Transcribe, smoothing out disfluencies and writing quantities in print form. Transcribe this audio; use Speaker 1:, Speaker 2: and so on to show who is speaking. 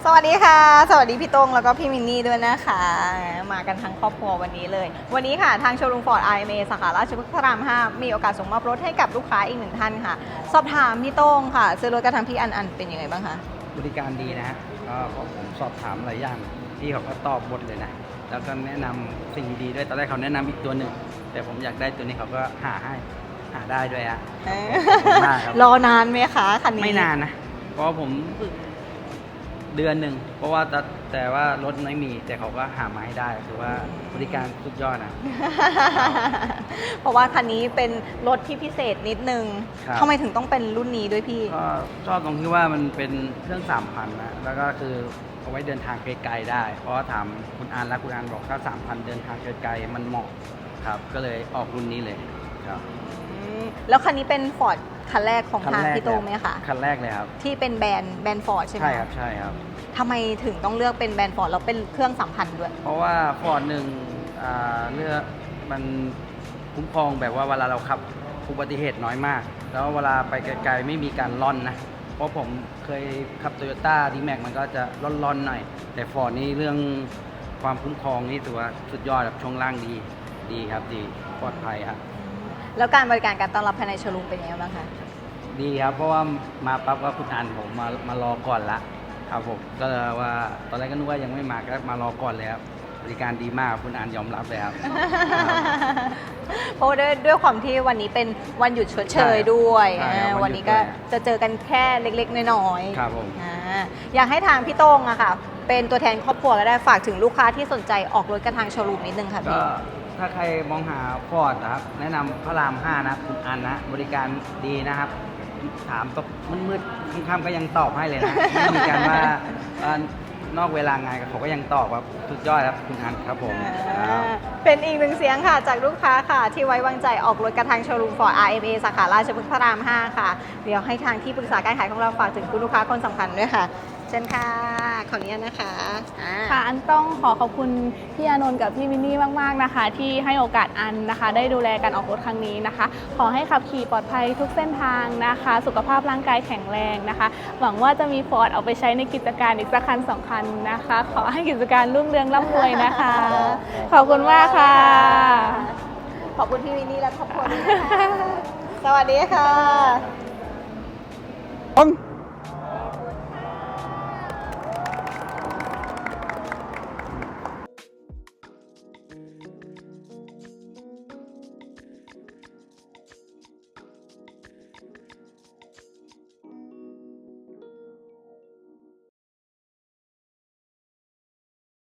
Speaker 1: สวัสดีค่ะสวัสดีพี่ต้งแล้วก็พี่มินนี่ด้วยนะคะมากันทั้งครอบครัววันนี้เลยวันนี้ค่ะทางโชว์รูมฟอร์ด IMA สาขาราชพฤกษ์พระราม 5มีโอกาสส่งมอบรถให้กับลูกค้าอีกหนึ่งท่านค่ะสอบถามพี่ต้งค่ะซื้อรถกระทางพี่อันเป็นยังไงบ้างคะ
Speaker 2: บริการดีนะฮะก็ผมสอบถามหลายอย่างพี่เขาก็ตอบหมดเลยนะแล้วก็แนะนำสิ่งดีๆด้วยตอนแรกเขาแนะนำอีกตัวหนึ่งแต่ผมอยากได้ตัวนี้เขาก็หาได้ด้วยฮะ
Speaker 1: รอนานไหมคะคันนี้
Speaker 2: ไม่นานนะเพราะผมเดือนหนึ่งเพราะว่าแต่ว่ารถไม่มีแต่เขาก็หามาให้ได้คือว่าบริการสุดยอดนะ
Speaker 1: เพราะว่าคันนี้เป็นรถที่พิเศษนิดนึงทำไมถึงต้องเป็นรุ่นนี้ด้วยพี่
Speaker 2: ก็ชอบตรงที่ว่ามันเป็นเครื่อง 3,000 นะแล้วก็คือเอาไว้เดินทางไกลๆได้เพราะว่าถามคุณอันและคุณอันบอกถ้า 3,000 เดินทางไกลๆมันเหมาะครับก็เลยออกรุ่นนี้เลยครับ
Speaker 1: แล้วคันนี้เป็นฟอร์ดคันแรกของทางพี่โต้งไหมคะ
Speaker 2: คันแรกเลยครับ
Speaker 1: ที่เป็นแบรนด์ฟอร์ดใช่ไหม
Speaker 2: ใช่ครับใช่ครับ
Speaker 1: ทำไมถึงต้องเลือกเป็นแบรนด์ฟอร์ดแล้วเป็นเครื่อง3,000ด้วย
Speaker 2: เพราะว่าฟอร์ดหนึ่งเลือกมันคุ้มครองแบบว่าเวลาเราขับอุบัติเหตุน้อยมากแล้วเวลาไปไกลๆไม่มีการล่อนนะเพราะผมเคยขับ Toyota D-Max มันก็จะล่อนๆหน่อยแต่ฟอร์ดนี่เรื่องความคุ้มครองนี่ถือว่าสุดยอดครับช่วงล่างดีครับดีปลอดภัยครับ
Speaker 1: แล้วการบริการการต้อนรับภายในโชว์รูมเป็นยังไงบ้างคะ
Speaker 2: ดีครับเพราะว่ามาปั๊บก็คุณอันผมมารอก่อนละครับผมก็เลยว่าตอนแรกก็นึกว่ายังไม่มาก็มารอก่อนเลยครับบริการดีมากคุณอันยอมรับเลยครับ
Speaker 1: เพราะด้วยความที่วันนี้เป็นวันหยุดชดเชยด้วยวันนี้ก็จะเจอกันแค่เล็กๆน้อย
Speaker 2: ๆครับผม
Speaker 1: อยากให้ทางพี่โต้งอะค่ะเป็นตัวแทนครอบครัวก็ได้ฝากถึงลูกค้าที่สนใจออกรถกระทางโชว์รูมนิดนึงค่ะพี่
Speaker 2: ถ้าใครมองหาฟอร์ดนะครับแนะนำพระราม 5นะคุณอันนะบริการดีนะครับถามตกมืดๆค่ำๆก็ยังตอบให้เลยนะไม่มีการว่านอกเวลางานเขาก็ยังตอบครับสุดยอดครับคุณอันครับผม
Speaker 1: เป็นอีกหนึ่งเสียงค่ะจากลูกค้าค่ะที่ไว้วางใจออกรถกระทางโชว์รูมฟอร์ด RMA สาขาราชพฤกษ์พระราม 5ค่ะเดี๋ยวให้ทางที่ปรึกษาการขายของเราฝากถึงคุณลูกค้าคนสำคัญด้วยค่ะเชิญค่ะขออนุญาตนะคะ
Speaker 3: ค่ะอันต้องขอบคุณพี่อานนท์กับพี่มินนี่มากๆนะคะที่ให้โอกาสอันนะคะได้ดูแลการออกรถครั้งนี้นะคะขอให้ขับขี่ปลอดภัยทุกเส้นทางนะคะสุขภาพร่างกายแข็งแรงนะคะหวังว่าจะมีฟอร์ดเอาไปใช้ในกิจการอีกสักคัน2 คันนะคะขอให้กิจการรุ่งเรืองร่ำรวยนะคะขอบคุณมากค่ะ
Speaker 1: ขอบคุณพี่มินนี่และครอบครัวด้วยนะคะสวัสดีค่ะ